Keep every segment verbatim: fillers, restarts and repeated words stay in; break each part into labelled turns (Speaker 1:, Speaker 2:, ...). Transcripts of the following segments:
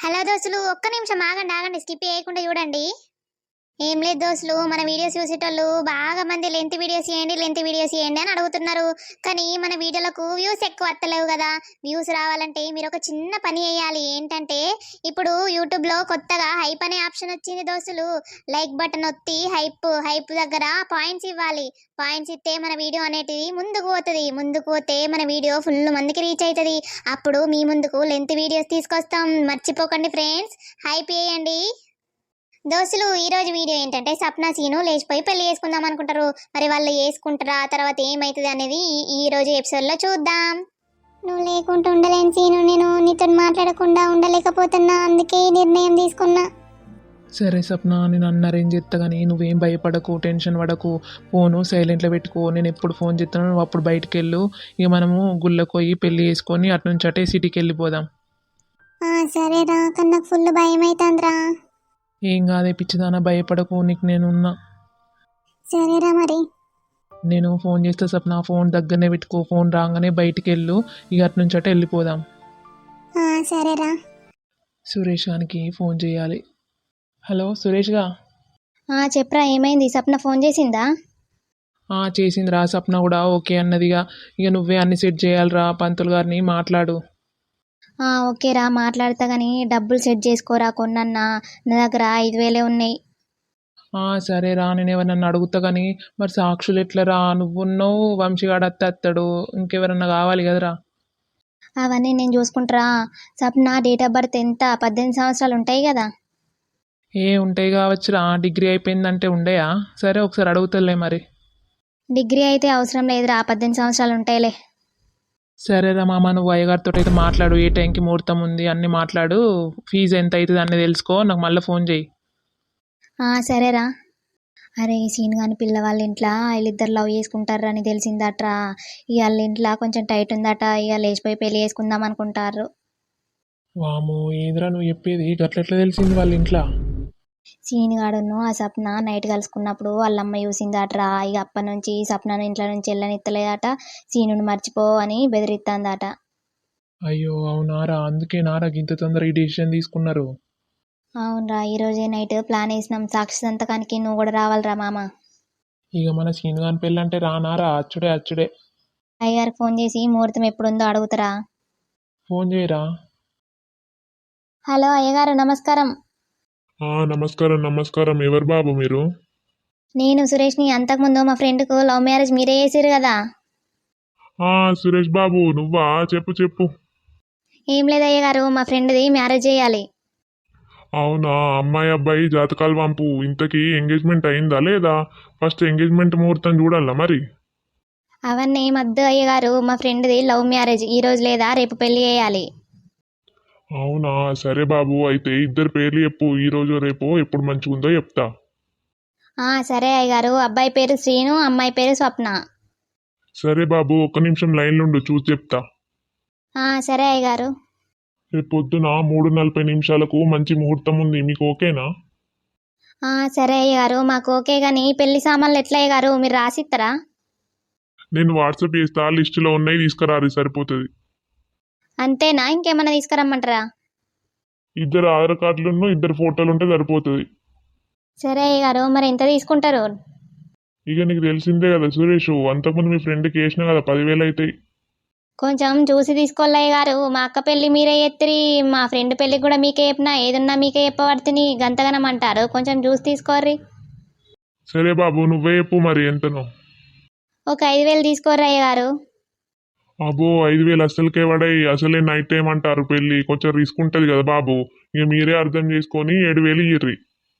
Speaker 1: Hello దోస్తులు, ఒక్క నిమిషం ఆగండి ఆగండి స్కిప్ చేయకుండా చూడండి. ఏం లేదు దోస్తులు, మన వీడియోస్ చూసేటోళ్ళు బాగా మంది లెంత్ వీడియోస్ చేయండి లెంత్ వీడియోస్ చేయండి అని అడుగుతున్నారు. కానీ మన వీడియోలకు వ్యూస్ ఎక్కువ వస్తలేవు కదా. వ్యూస్ రావాలంటే మీరు ఒక చిన్న పని చేయాలి. ఏంటంటే ఇప్పుడు యూట్యూబ్ లో కొత్తగా హైప్ అనే ఆప్షన్ వచ్చింది దోస్తులు. లైక్ బటన్ ఒత్తి హైప్ హైప్ దగ్గర పాయింట్స్ ఇవ్వాలి. పాయింట్స్ ఇస్తే మన వీడియో అనేటిది ముందుకు పోతుంది. ముందుకు పోతే మన వీడియో ఫుల్ మందికి రీచ్ అవుతుంది. అప్పుడు మీ ముందుకు లెంత్ వీడియోస్ తీసుకొస్తాం. మర్చిపోకండి ఫ్రెండ్స్, హైప్ చేయండి. దోస్తులు, ఈ రోజు వీడియో ఏంటంటే సప్నా సీను లేచిపోయి పెళ్లి చేసుకుందాం అనుకుంటారు. మరి వాళ్ళు చేసుకుంటారా, తర్వాత ఏమైతుంది అనేది ఈ- ఈ రోజు ఎపిసోడ్ లో చూద్దాం. నువ్వు లేకుంటూ ఉండలేను సీను, నేను నీతో మాట్లాడకుండా ఉండలేకపోతున్నా, అందుకే ఈ నిర్ణయం తీసుకున్నా.
Speaker 2: సరే సప్న, నేను అన్న అరేంజ్ చేస్తా కానీ నువ్వేం భయపడకు, టెన్షన్ పడకు. ఫోను సైలెంట్లో పెట్టుకో. నేను ఎప్పుడు ఫోన్ చేస్తాను నువ్వు అప్పుడు బయటికి వెళ్ళు. ఇక మనము గుళ్ళకు పోయి పెళ్లి చేసుకొని అటు నుంచి అటే సిటీకి వెళ్ళిపోదాం.
Speaker 1: సరేరా, కన్నా ఫుల్ భయం అవుతుందిరా.
Speaker 2: ఏం కాదే పిచ్చిదానా, భయపడకు, నీకు నేనున్నా.
Speaker 1: సరేరా మరి.
Speaker 2: నేను ఫోన్ చేస్తే సప్న ఫోన్ దగ్గరనే పెట్టుకో. ఫోన్ రాగానే బయటికి వెళ్ళు. ఇక అటు నుంచి అటే వెళ్ళిపోదాం.
Speaker 1: సరేరా.
Speaker 2: సురేష్ గానికి ఫోన్ చేయాలి. హలో సురేష్గా.
Speaker 1: చెప్పరా, ఏమైంది? సప్న ఫోన్ చేసిందా?
Speaker 2: చేసింది రా. సప్న కూడా ఓకే అన్నదిగా. ఇక నువ్వే అన్ని సెట్ చేయాలిరా. పంతులు గారిని మాట్లాడు.
Speaker 1: ఓకేరా, మాట్లాడతా కానీ డబ్బులు సెట్ చేసుకోరా కొన్నన్నా. నా దగ్గర ఐదు వేలే ఉన్నాయి.
Speaker 2: సరే రా, నేను ఎవరన్నా అడుగుతా కానీ మరి సాక్షులు ఎట్లరా? నువ్వున్నావు, వంశీగాడు అత్త అత్తాడు, ఇంకెవరన్నా కావాలి కదరా.
Speaker 1: అవన్నీ నేను చూసుకుంటారా. సప్న డేట్ ఆఫ్ బర్త్ ఎంత? పద్దెనిమిది సంవత్సరాలు ఉంటాయి కదా.
Speaker 2: ఏ ఉంటాయి కావచ్చురా, డిగ్రీ అయిపోయిందంటే ఉండయా? సరే ఒకసారి అడుగుతలే మరి.
Speaker 1: డిగ్రీ అయితే అవసరం లేదురా, పద్దెనిమిది సంవత్సరాలు ఉంటాయిలే.
Speaker 2: సరేరా మామ, నువ్వు అయ్యగారితో అయితే మాట్లాడు. ఏ టైంకి ముహూర్తం ఉంది అన్నీ మాట్లాడు. ఫీజు ఎంత అవుతుంది అన్నీ తెలుసుకో, నాకు మళ్ళీ ఫోన్ చేయి.
Speaker 1: సరేరా. అరే, సీన్ కానీ పిల్లవాళ్ళ ఇంట్లో వీళ్ళిద్దరు లవ్ చేసుకుంటారని తెలిసిందట్రా. ఇక వాళ్ళ ఇంట్లో కొంచెం టైట్ ఉందట. ఇక లేచిపోయి పెళ్లి చేసుకుందాం అనుకుంటారు.
Speaker 2: వాము, ఏదిరా నువ్వు చెప్పేది? గట్లెట్లా తెలిసింది వాళ్ళ ఇంట్లో?
Speaker 1: సీనిగాడును ఆ సప్న నైట్ కలుసుకున్నప్పుడు వాళ్ళమ్మ చూసిందట్రా. ఇక అప్పటి నుంచి సప్నను ఇంట్లో నుంచి వెళ్ళనిత్తలేదట. సీనుని మర్చిపో అని బెదిరిస్తుందట.
Speaker 2: అయ్యో అవునారా, అందుకే నారా ఇంత తొందర ఈ డిసిషన్ తీసుకున్నారు.
Speaker 1: అవునరా, ఈరోజే నైట్ ప్లాన్ వేసినాం. సాక్షి సంతకానికి నువ్వు కూడా రావాలిరా మామ.
Speaker 2: ఇక మన సీన్గాని పెళ్ళంటే రానారా, అచ్చుడే అచ్చుడే.
Speaker 1: అయ్యగారికి ఫోన్ చేసి ముహూర్తం ఎప్పుడుందో అడుగుతారా.
Speaker 2: ఫోన్ చేయరా.
Speaker 1: హలో అయ్యగారు, నమస్కారం.
Speaker 3: నమస్కారం నమస్కారం. ఎవరు బాబు మీరు?
Speaker 1: నేను సురేష్ని. అంతకుముందు మా ఫ్రెండ్కు లవ్ మ్యారేజ్ మీరే చేసారు కదా.
Speaker 3: ఆ సురేష్ బాబు నువ్వా? చెప్పు చెప్పు.
Speaker 1: ఏం లేదు అయ్యగారు, మా ఫ్రెండ్ది మ్యారేజ్ చేయాలి.
Speaker 3: అవునా, అమ్మాయి అబ్బాయి జాతకాలు పంపు. ఇంతకీ ఎంగేజ్మెంట్ అయిందా లేదా? ఫస్ట్ ఎంగేజ్మెంట్ ముహూర్తం చూడాలా మరి?
Speaker 1: అవన్నీ మద్దు అయ్యగారు, మా ఫ్రెండ్ది లవ్ మ్యారేజ్ ఈ రోజు లేదా రేపు పెళ్లి చేయాలి.
Speaker 3: అవునా, సరే బాబు, అయితే ఇద్దరు పేర్లు చెప్పు. ఈ రోజు రేపు ఎప్పుడు మంచిగుందో చెప్తా.
Speaker 1: సరే అయ్యగారు, అబ్బాయి పేరు శ్రీను, అమ్మాయి పేరు స్వప్న.
Speaker 3: సరే బాబు, ఒక్క నిమిషం లైన్లో ఉండు, చూసి చెప్తా.
Speaker 1: సరే అయ్యగారు.
Speaker 3: రేపు పొద్దున మూడు నలభై నిమిషాలకు మంచి ముహూర్తం ఉంది. మీకు ఓకేనా?
Speaker 1: సరే అయ్యగారు, మాకు ఓకే. కానీ పెళ్లి సామాన్లు ఎట్లా అయ్యగారు, మీరు రాసిస్తారా?
Speaker 3: నేను వాట్సాప్ చేస్తా, లిస్టులో ఉన్నాయి, తీసుకురారు, సరిపోతుంది.
Speaker 1: అంతేనా, ఇంకేమన్నా తీసుకురమ్మంటారా?
Speaker 3: ఇద్దరు ఆధార్ కార్డులను ఇద్దరు ఫోటోలు ఉంటే సరిపోతుంది.
Speaker 1: సరే అయ్యగారు, మరి ఎంత తీసుకుంటారు?
Speaker 3: ఇక నీకు తెలిసిందే కదా సురేష్, అంతకుముందు మీ ఫ్రెండ్కి వేసినా కదా, పదివేలు అవుతాయి.
Speaker 1: కొంచెం చూసి తీసుకోవాలి అయ్యగారు. మా అక్క పెళ్లి మీరే ఎత్తిరి, మా ఫ్రెండ్ పెళ్లికి కూడా మీకే చెప్పినా, ఏదున్నా మీకే చెప్పబడుతుంది. గంతగనం అంటారు, కొంచెం చూసి తీసుకోర్రి.
Speaker 3: సరే బాబు, నువ్వే చెప్పు మరి ఎంతనో.
Speaker 1: ఒక ఐదు వేలు తీసుకోర్రి అయ్యగారు.
Speaker 3: అబ్బో, ఐదు వేలు అస్సలకే పడాయి. అసలే నైట్ టైం అంటారు పెళ్ళి, కొంచెం రిస్క్ ఉంటుంది కదా బాబు. ఇక మీరే అర్థం చేసుకొని ఏడు వేలు ఇయ్యర్రి.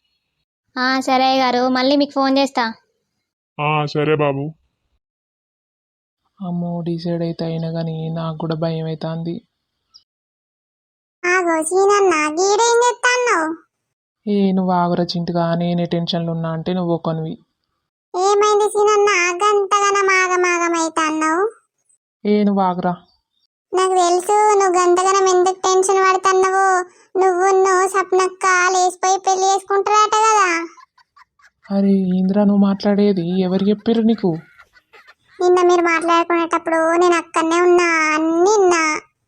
Speaker 1: సరే అయ్యగారు, మళ్ళీ మీకు ఫోన్ చేస్తా.
Speaker 3: సరే బాబు.
Speaker 2: అమ్మో, డిసైడ్ అయితే అయినా కానీ నాకు కూడా భయం అవుతుంది. ఏ నువ్వు ఆగురా చింటుగా, నేనే టెన్షన్లు ఉన్నా అంటే నువ్వు ఒకనివి.
Speaker 1: ఏమైంది సీనన్న, గంతగనం ఆగమాగమైతాన్నావు?
Speaker 2: ఏ నువ్వు ఆగురా.
Speaker 1: నాకు తెలుసు నువ్వు గంతగనం ఎందుకు టెన్షన్ పడుతున్నావు. నువ్వు నువ్వు సప్నక్క లేచిపోయి పెళ్లి చేసుకుంటారట కదా.
Speaker 2: అరే ఏంద్రా నువ్వు మాట్లాడేది? ఎవరు చెప్పారు నీకు?
Speaker 1: నిన్న మీరు మాట్లాడుకునేటప్పుడు నేను అక్కడనే ఉన్నా, అన్ని విన్నా.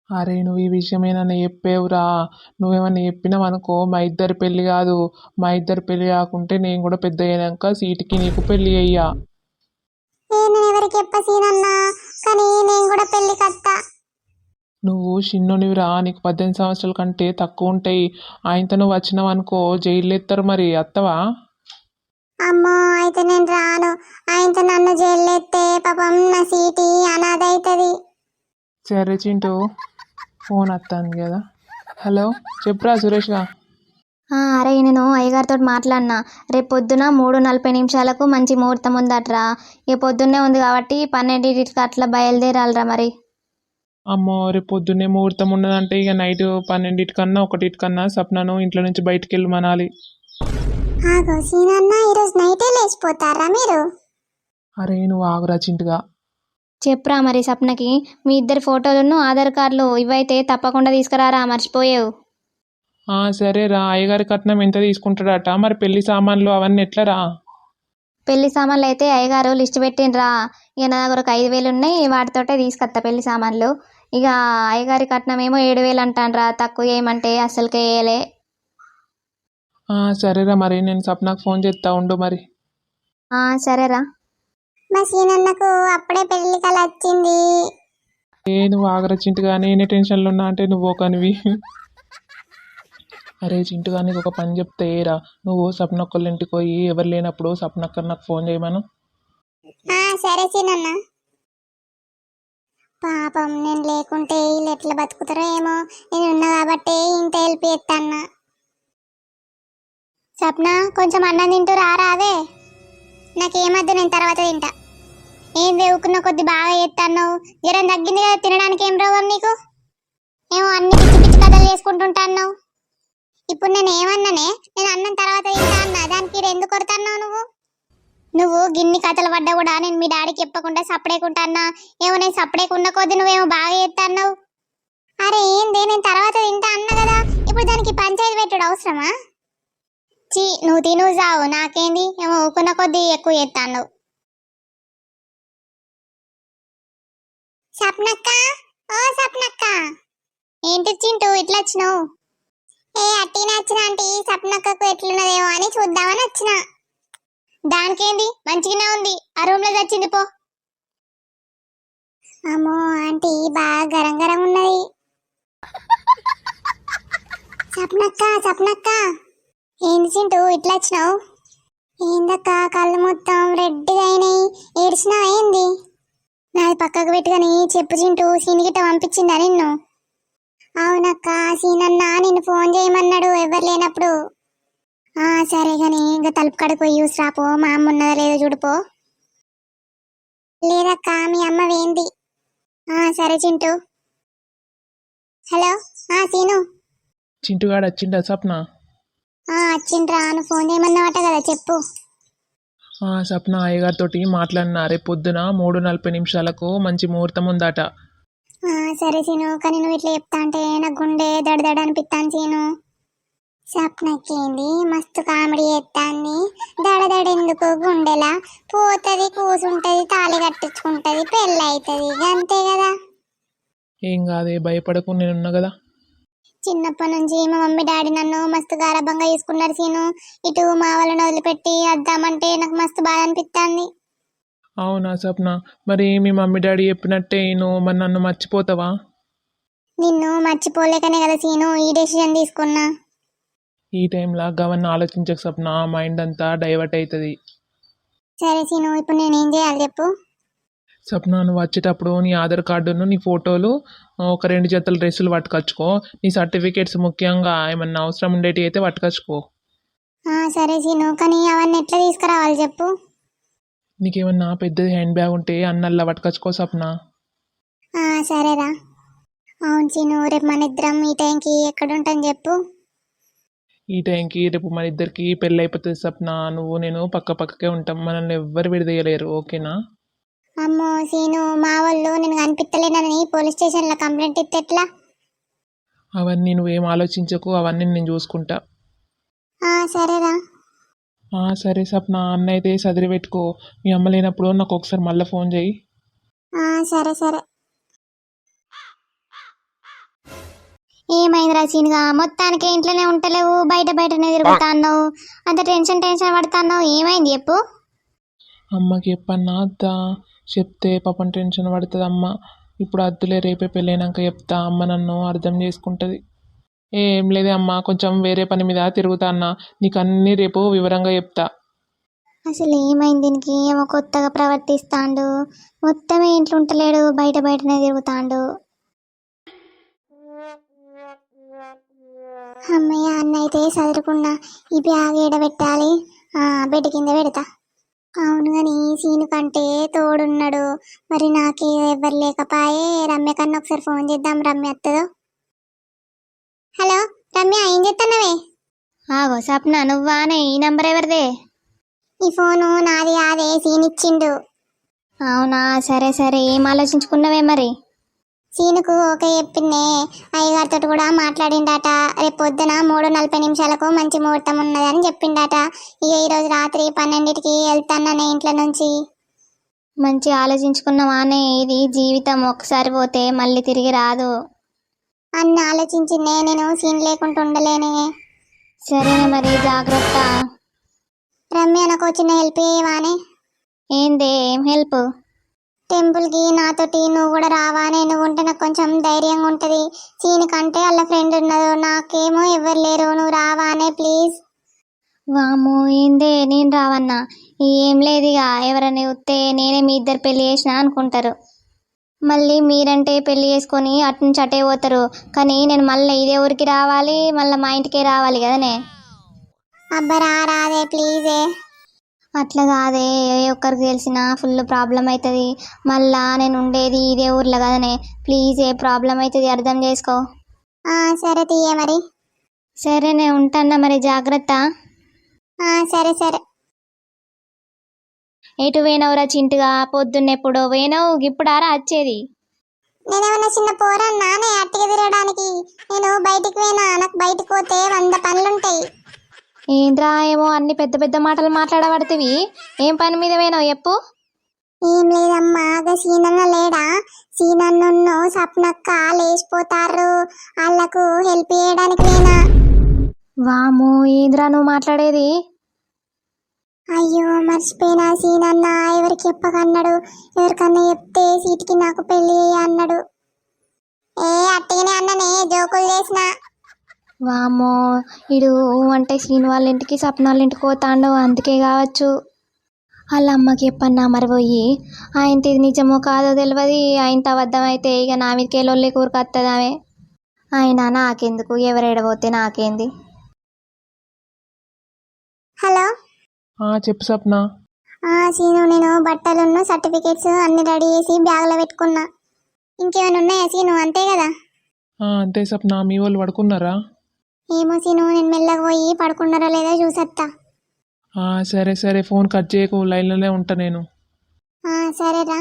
Speaker 2: అరే నువ్వు ఈ విషయం ఏమన్నా చెప్పేవురా, నువ్వేమన్నా చెప్పినావు అనుకో మా ఇద్దరి పెళ్ళి కాదు, మా ఇద్దరి పెళ్ళి కాకుంటే నేను కూడా పెద్ద అయినాక సీటుకి నీకు పెళ్ళి అయ్యా.
Speaker 1: ఏ నేను ఎవరికి చెప్ప సీనన్నా, కానీ నేను కూడా పెళ్లి కత్తా.
Speaker 2: నువ్వు చిన్నోనివిరా, నీకు పద్దెనిమిది సంవత్సరాల కంటే తక్కువ ఉంటాయి. ఆయనతో నువ్వు వచ్చినావు అనుకో జైలు ఎత్తారు, మరి అత్తవా?
Speaker 1: అమ్మో అయితే నేను రాను. ఆయనతో నన్ను జైలు ఎత్తే పాపం నా సీటి అనాథ అవుతుంది.
Speaker 2: సరే చింటూ, ఫోన్ వస్తుంది కదా. హలో చెప్పురా సురేష్గా.
Speaker 4: అరే నేను అయ్యగారితో మాట్లాడినా, రేపు పొద్దున మూడు నలభై నిమిషాలకు మంచి ముహూర్తం ఉందట్రా. ఇక పొద్దున్నే ఉంది కాబట్టి పన్నెండింటికి అట్లా బయలుదేరాలరా మరి.
Speaker 2: అమ్మో రేపు పొద్దున్నే ముహూర్తం ఉన్నదంటే ఇక నైట్ పన్నెండింటికన్నా ఒకటికన్నా సప్నను ఇంట్లో నుంచి బయటికి వెళ్ళి మనాలి.
Speaker 1: ఆగో సీనన్నా, ఈరోజు నైటే లేచిపోతారా మీరు?
Speaker 2: అరే నువ్వు ఆగురా చింటుగా.
Speaker 4: చెప్పురా మరి సప్నకి, మీ ఇద్దరి ఫోటోలను ఆధార్ కార్డులు ఇవైతే తప్పకుండా తీసుకురారా, మర్చిపోయావు.
Speaker 2: ఆ సరేరా, అయ్యగారి కట్నం ఎంత తీసుకుంటాడట, మరి పెళ్లి సామాన్లు అవన్నీ ఎట్లరా?
Speaker 4: పెళ్లి సామాన్లు అయితే అయ్యగారు లిస్ట్ పెట్టిండ్రా. ఇక నా దగ్గర ఒక ఐదు వేలు ఉన్నాయి, వాటితోటే తీసుకొస్తా పెళ్లి సామాన్లు. ఇక అయ్యగారి కట్నం ఏమో ఏడు వేలు అంటాన్రా, తక్కువ ఏమంటే అస్సలకే వేయలే.
Speaker 2: ఆ సరేరా, మరి నేను సప్నాకు ఫోన్ చేస్తా ఉండు మరి.
Speaker 4: ఆ సరేరా.
Speaker 1: మా సీనన్నకు అప్పుడే పెళ్లి కల వచ్చింది.
Speaker 2: ఏ నువ్వు ఆగరా చింటుగా, నేనే టెన్షన్లో ఉన్నా అంటే నువ్వు ఒకనివి. అరే చింటుగా, నీకు ఒక పని చెప్తే ఏరా, నువ్వు సప్నక్కళ్ళ ఇంటికి పోయి ఎవరు లేనప్పుడు సప్నక్క నాకు ఫోన్ చేయమను.
Speaker 1: ఆ సరే సీనన్న. పాపం నేను లేకుంటే వీళ్ళు ఎట్లా బతుకుతారో ఏమో, నేను ఉన్నా కాబట్టి ఇంత హెల్ప్ చేస్తాన్న. సప్న కొంచెం అన్నం తింటూ రారా. అదే నాకేమద్దు, నేను తర్వాత తింటా. ఏం దేవుకున్న కొద్ది బాగా చేస్తాన్నావు, జ్వరం తగ్గింది కదా, తినడానికి ఏం రోగం నీకు? ఏమో అన్ని పిచ్చి పిచ్చి కథలు చేసుకుంటుంటాన్నావు. ఇప్పుడు నేను ఏమన్నానే, నేను అన్నం తర్వాత తింటా అన్నా, దానికి ఎందుకు కొడతాన్నావు నువ్వు? నువ్వు గిన్ని కథలు పడ్డా కూడా నేను మీ డాడీకి చెప్పకుండా సపడేకుంటా అన్నా. ఏమో నేను సపడేకున్న కొద్ది నువ్వేమో బాగా చేస్తాన్నావు. అరే ఏంది, నేను తర్వాత తింటా అన్నా కదా, ఇప్పుడు దానికి పంచాయతీ పెట్టుడు అవసరమా? చీ నువ్వు తిను చావు, నాకేంది, ఏమో ఊకున్న కొద్ది ఎక్కువ చేస్తాను. సప్నక్క, ఓ సప్నక్క. ఏంటి చింటూ ఇట్లా వచ్చినావు? ఏ అట్టిన వచ్చిన ఆంటీ, సప్నక్కకు ఎట్లున్నదేమో అని చూద్దామని వచ్చిన. దానికేంది, మంచిగానే ఉంది, ఆ రూమ్ లో వచ్చింది పో. అమ్మో ఆంటీ బాగా గరం గరం ఉన్నది. సప్నక్క సప్నక్క. ఏంది చింటూ ఇట్లా వచ్చినావు? ఏందక్క కళ్ళు మొత్తం రెడ్గా అయినాయి, ఏడ్చినావు ఏంది? నాది పక్కకు పెట్టుకొని చెప్పు చింటూ, సీనిగిట్ట పంపించిందా నిన్ను? అవునక్క, సీనన్న నిన్ను ఫోన్ చేయమన్నాడు ఎవరు లేనప్పుడు. ఆ సరే గాని ఇంకా తలుపు కడుకు పోయి చూసిరాపో, మా అమ్మ ఉన్నదా లేదో చూడుపో. లేదక్క, మీ అమ్మ వేంది. ఆ సరే చింటూ. హలో ఆ సీను.
Speaker 2: చింటుగాడు వచ్చిండా సప్న?
Speaker 1: ఆ వచ్చిండ్రా, నువ్వు ఫోన్ చేయమన్నావట కదా, చెప్పు.
Speaker 2: ఆ సప్న అయ్యగారితో మాట్లాడినా, రేపు పొద్దున మూడు నలభై నిమిషాలకు మంచి ముహూర్తం ఉందట.
Speaker 1: ఆ సరే సీను, కానీ నువ్వు ఇట్లా చెప్తా అంటే నా గుండె దడదడ అనిపిస్తాను సీను. సప్నకేంది మస్తు కామెడీ చేస్తాంది, దడదడ ఎందుకు, గుండెలా పోతుంది, కూసుంటది, తాళి కట్టించుకుంటది, పెళ్ళి అవుతుంది, అంతే కదా.
Speaker 2: ఏం కాదే, భయపడకు, నేనున్నా కదా.
Speaker 1: చిన్నప్పటి నుంచి మా మమ్మీ డాడీ నన్ను మస్తు గారాబంగా చూసుకున్నారు సీను. ఇటు మా వాళ్ళని వదిలిపెట్టి వద్దామంటే నాకు మస్తు బాధ అనిపిస్తుంది.
Speaker 2: అవునా సప్న, మరి మీ మమ్మీ డాడీ చెప్పినట్టే నువ్వు మరి నన్ను మర్చిపోతావా?
Speaker 1: నిన్ను మర్చిపోలేకనే కదా సీను ఈ డెసిషన్ తీసుకున్నా.
Speaker 2: ఈ టైంలో గవన్ని ఆలోచించక సప్న, మైండ్ అంతా డైవర్ట్ అవుతుంది.
Speaker 1: సరే సీను, ఇప్పుడు నేను ఏం చేయాలి చెప్పు.
Speaker 2: సప్న నువ్వు వచ్చేటప్పుడు నీ ఆధార్ కార్డును, నీ ఫోటోలు, ఒక రెండు జతల డ్రెస్సులు పట్టుకొచ్చుకో. నీ సర్టిఫికేట్స్ ముఖ్యంగా ఏమన్నా అవసరం ఉండేటి అయితే పట్టుకొచ్చుకో.
Speaker 1: ఆ సరే సీను, కానీ అవన్నీ ఎట్లా తీసుకురావాలి చెప్పు.
Speaker 2: నీకేమన్నా పెద్దది హ్యాండ్ బ్యాగ్ ఉంటే అన్నల్లా పట్టుకొచ్చుకో సప్న.
Speaker 1: ఆ సరేరా. అవును సీను, రేపు మన ఇద్దరం ఈ టైంకి ఎక్కడ ఉంటాం చెప్పు.
Speaker 2: ఈ టైంకి రేపు మన ఇద్దరికి పెళ్ళి అయిపోతుంది సప్న, నువ్వు నేను పక్క పక్కకే ఉంటాం, మనల్ని ఎవ్వరు విడదీయలేరు, ఓకేనా?
Speaker 1: అమ్మో సీను, మా వాళ్ళు నేను కనిపించలేనని పోలీస్ స్టేషన్లో కంప్లైంట్ ఇస్తే ఎట్లా?
Speaker 2: అవన్నీ నువ్వేం ఆలోచించకు, అవన్నీ నేను చూసుకుంటా.
Speaker 1: ఆ సరేరా.
Speaker 2: ఆ సరే సప్న, అన్న అయితే సదిరి పెట్టుకో, మీ అమ్మ లేనప్పుడు నాకు ఒకసారి మళ్ళీ ఫోన్ చేయి.
Speaker 1: ఆ సరే సరే. ఏమైంది రాసీనుగా మొత్తానికి ఇంట్లోనే ఉంటలేవు, బయట బయటనే తిరుగుతాన్నావు, అంత టెన్షన్ టెన్షన్ పడుతున్నావు, ఏమైంది చెప్పు.
Speaker 2: అమ్మకి చెప్పన్నా అత్త, చెప్తే పాపం టెన్షన్ పడుతుంది అమ్మ. ఇప్పుడు అద్దులే, రేపే పెళ్ళైనాక చెప్తా, అమ్మ నన్ను అర్థం చేసుకుంటుంది. ఏం లేదే అమ్మ, కొంచెం వేరే పని మీద తిరుగుతా అన్న, నీకు అన్నీ రేపు వివరంగా చెప్తా.
Speaker 1: అసలు ఏమైంది దీనికి, ఏమో కొత్తగా ప్రవర్తిస్తాండు, మొత్తమే ఇంట్లో ఉంటలేడు, బయట బయటనే తిరుగుతాండు. అమ్మయ్య, అన్న అయితే చదువుకున్నా, ఈ బ్యాగ్ ఏడబెట్టాలి, బెడ్ కింద పెడతా. అవును కానీ సీను కంటే తోడున్నాడు, మరి నాకే ఎవరు లేకపాయే. రమ్య కన్నా ఒకసారి ఫోన్ చేద్దాం, రమ్య వస్తుందో. హలో రమ్య, ఏం చేస్తున్నావే? ఆగో సప్న, నువ్వానే? ఈ నంబర్ ఎవరిదే? ఈ ఫోను నాది కాదే, సీన్ ఇచ్చిండు. అవునా, సరే సరే, ఏం ఆలోచించుకున్నావే మరి? సీనుకు ఓకే చెప్పిందే, అయ్యగారితో కూడా మాట్లాడిండట. రేపు పొద్దున మూడు నలభై నిమిషాలకు మంచి ముహూర్తం ఉన్నదని చెప్పిండట. ఇక ఈరోజు రాత్రి పన్నెండింటికి వెళ్తాననే ఇంట్లో నుంచి. మంచి ఆలోచించుకున్నావానే, ఇది జీవితం, ఒకసారి పోతే మళ్ళీ తిరిగి రాదు. అన్ని ఆలోచించిందే, నేను సీన్ లేకుండా ఉండలేనే. సరేనే మరి, జాగ్రత్త. రమ్య, నాకు చిన్న హెల్ప్ చేయవానే? ఏందే, ఏం హెల్ప్? టెంపుల్కి నాతోటి నువ్వు కూడా రావానే, నువ్వు ఉంటే నాకు కొంచెం ధైర్యంగా ఉంటుంది. సీని కంటే వాళ్ళ ఫ్రెండ్ ఉన్నది, నాకేమో ఎవరు లేరు, నువ్వు రావానే ప్లీజ్. వాము, ఏందే నేను రావన్నా? ఏం లేదు, ఇక ఎవరైనా వస్తే నేనే మీ ఇద్దరు పెళ్లి చేసినా అనుకుంటారు. మళ్ళీ మీరంటే పెళ్లి చేసుకొని అటు నుంచి అటే పోతారు, కానీ నేను మళ్ళీ ఇదే ఊరికి రావాలి, మళ్ళీ మా ఇంటికే రావాలి కదనే. అబ్బా రా, రాదే ప్లీజే. అట్లా కాదే, ఏ ఒక్కరికి తెలిసినా ఫుల్ ప్రాబ్లం అవుతుంది, మళ్ళా నేను ఉండేది ఇదే ఊర్లో కదనే, ప్లీజ్, ఏ ప్రాబ్లం అవుతుంది, అర్థం చేసుకో. సరే తీయ మరి. సరే నేను ఉంటానా మరి, జాగ్రత్త. సరే సరే. ఎటు పోయినవురా చింటుగా, పొద్దున్నెప్పుడో పోయినావు, ఇప్పుడారా వచ్చేది? నేనేమన్నా చిన్న పోరా నానే అట్టిగా తిరగడానికి? నేను బయటికి పోయినా, నాకు బయటకు పోతే వంద పనులుంటాయి. ఏంద్రా, ఏమో అన్ని పెద్ద పెద్ద మాటలు మాట్లాడబడుతుంది, ఏం పని మీద పోయినావు చెప్పు. ఏం లేదమ్మా, అదే సీనన్న లేడా, సీనన్ను సప్నక్క లేచిపోతారు, వాళ్ళకు హెల్ప్ చేయడానికి పోయినా. వాము, ఏంద్రా నువ్వు మాట్లాడేది? అయ్యో మర్చిపోయినా, సీనన్న ఎవరికి చెప్పకన్నాడు, ఎవరికన్నా చెప్తే సీటికి నాకు పెళ్లి అన్నాడు. ఏ అట్టిగానే అన్ననే, జోకులు చేసిన. వామో, ఇడు అంటే సీను వాళ్ళ ఇంటికి సప్న వాళ్ళ ఇంటికి పోతాండు, అందుకే కావచ్చు. వాళ్ళ అమ్మకి చెప్పన్నా మరి పోయి, ఆయనది ఇది నిజమో కాదో తెలియదు, ఆయనతో అబద్ధం అయితే ఇక నా మీదకే లొల్లి కూరకొస్తుంది ఆమె. ఆయన నాకెందుకు, ఎవరేడబోతే నాకేంది. హలో
Speaker 2: చెప్పు సప్న.
Speaker 1: సీను, నేను బట్టలున్న సర్టిఫికేట్స్ అన్ని రెడీ చేసి బ్యాగ్లో పెట్టుకున్నా. ఇంకేమైనా ఉన్నాయా సీను? అంతే కదా?
Speaker 2: అంతే సప్న, మీ వాళ్ళు పడుకున్నారా?
Speaker 1: ఏమో సీను, నేను మెల్లగా పోయి పడుకున్నారా లేదా చూసత్తా.
Speaker 2: సరే సరే, ఫోన్ కట్ చేయకు, లైన్లోనే ఉంటా నేను.
Speaker 1: సరేరా.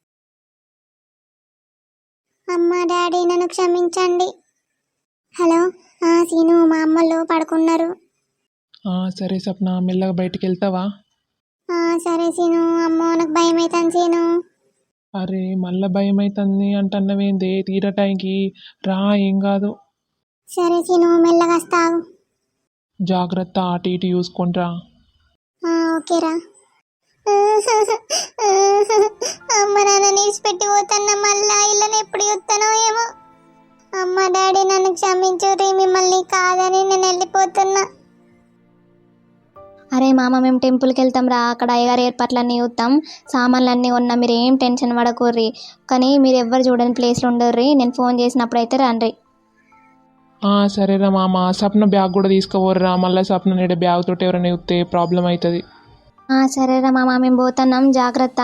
Speaker 1: అమ్మ డాడీ నన్ను క్షమించండి. హలో సీను, మా అమ్మలు పడుకున్నారు.
Speaker 2: సరే సప్న, మెల్లగా బయటికి వెళ్తావా?
Speaker 1: సరే సీను. అమ్మో నాకు భయం అవుతాను సీను.
Speaker 2: అరే మళ్ళా భయం అవుతుంది అంటున్నవేంది, తీర టైంకి రా, ఏం కాదు.
Speaker 1: సరే సీను, మెల్లగా వస్తావు.
Speaker 2: జాగ్రత్త, అటు ఇటు చూసుకుంటా.
Speaker 1: ఓకేరా. అమ్మ నాన్న నీసిపెట్టి పోతున్నా, మళ్ళా ఇళ్ళని ఎప్పుడు చూస్తానో ఏమో. అమ్మ డాడీ నన్ను క్షమించుర్రి, మిమ్మల్ని కాదని నేను వెళ్ళిపోతున్నా. అరే మామ, మేము టెంపుల్కి వెళ్తాం రా, అక్కడ అయ్యగారు ఏర్పాట్లన్నీ చూస్తాం, సామాన్లు అన్నీ ఉన్నా, మీరు ఏం టెన్షన్ పడకూర్రి, కానీ మీరు ఎవ్వరు చూడని ప్లేస్లో ఉండర్రి, నేను ఫోన్ చేసినప్పుడు అయితే రండి.
Speaker 2: సరేరా మామ, సప్న బ్యాగ్ కూడా తీసుకుపోర్రా, మళ్ళీ సప్న నేడే బ్యాగ్ తోటి ఎవరైనా చూస్తే ప్రాబ్లం అవుతుంది.
Speaker 1: సరేరా మామ, మేము పోతున్నాం, జాగ్రత్త.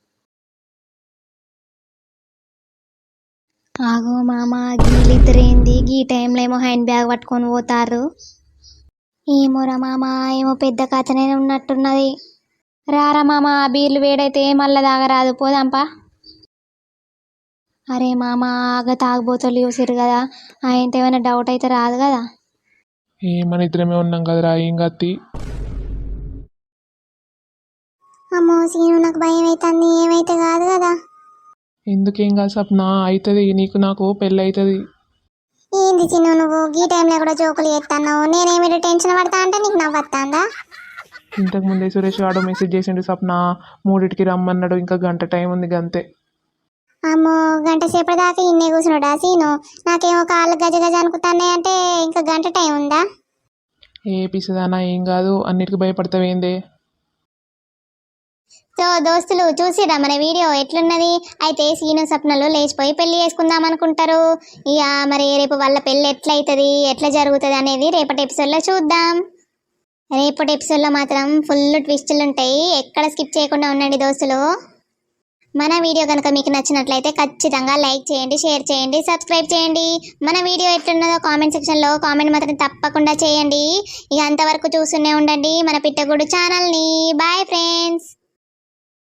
Speaker 1: ఆగో మామ, గీలిద్దరేంది గీ టైంలో ఏమో హ్యాండ్ బ్యాగ్ పట్టుకొని పోతారు. ఏమోరా మామ, ఏమో పెద్ద కథనే ఉన్నట్టున్నది. రారా మామ, ఆ బీర్లు వేడైతే మళ్ళా తాగరాదు, పోదాంపా. అరే మామ, ఆగ తాగబోతలు చూసిరు కదా, ఆయనతో ఏమైనా డౌట్ అయితే రాదు కదా.
Speaker 2: మన ఇద్దరమే ఉన్నాం కదరా, ఏం కత్తి.
Speaker 1: అమ్మో సీను, నాకు భయం అవుతుంది, ఏమైతే కాదు కదా.
Speaker 2: ఎందుకేం కాదు సప్న, అవుతుంది, నీకు నాకు పెళ్ళి అవుతుంది.
Speaker 1: ఏంది చిన్ను నువ్వు ఈ టైంలో కూడా జోకులు చేస్తున్నావు నేనేమిటి టెన్షన్ పడతా అంటే నీకు నవ్వత్తాందా
Speaker 2: ఇంతకు ముందే సురేష్ ఆడో మెసేజ్ చేసిండు సప్న మూడింటికి రమ్మన్నాడు ఇంకా గంట టైం ఉంది గంతే.
Speaker 1: అమ్మో గంట సేపటి దాకా ఇన్నే కూర్చున్నాడా సీను నాకేమో కాళ్ళు గజ గజ అనుకుతానే అంటే ఇంకా గంట టైం ఉందా
Speaker 2: ఏ పిసదానా ఏం కాదు అన్నిటికీ భయపడతావేందే.
Speaker 1: సో దోస్తులు చూసిరా మన వీడియో ఎట్లున్నది అయితే సీను సప్నలు లేచిపోయి పెళ్లి చేసుకుందాం అనుకుంటారు ఇక మరి రేపు వాళ్ళ పెళ్ళి ఎట్లయితుంది ఎట్లా జరుగుతుంది అనేది రేపటి ఎపిసోడ్లో చూద్దాం. రేపటి ఎపిసోడ్లో మాత్రం ఫుల్ ట్విస్టులు ఉంటాయి ఎక్కడ స్కిప్ చేయకుండా ఉండండి దోస్తులు. మన వీడియో కనుక మీకు నచ్చినట్లయితే ఖచ్చితంగా లైక్ చేయండి షేర్ చేయండి సబ్స్క్రైబ్ చేయండి. మన వీడియో ఎట్లున్నదో కామెంట్ సెక్షన్లో కామెంట్ మాత్రం తప్పకుండా చేయండి. ఇక అంతవరకు చూస్తూనే ఉండండి మన పిట్టగూడు ఛానల్ని. Bye friends.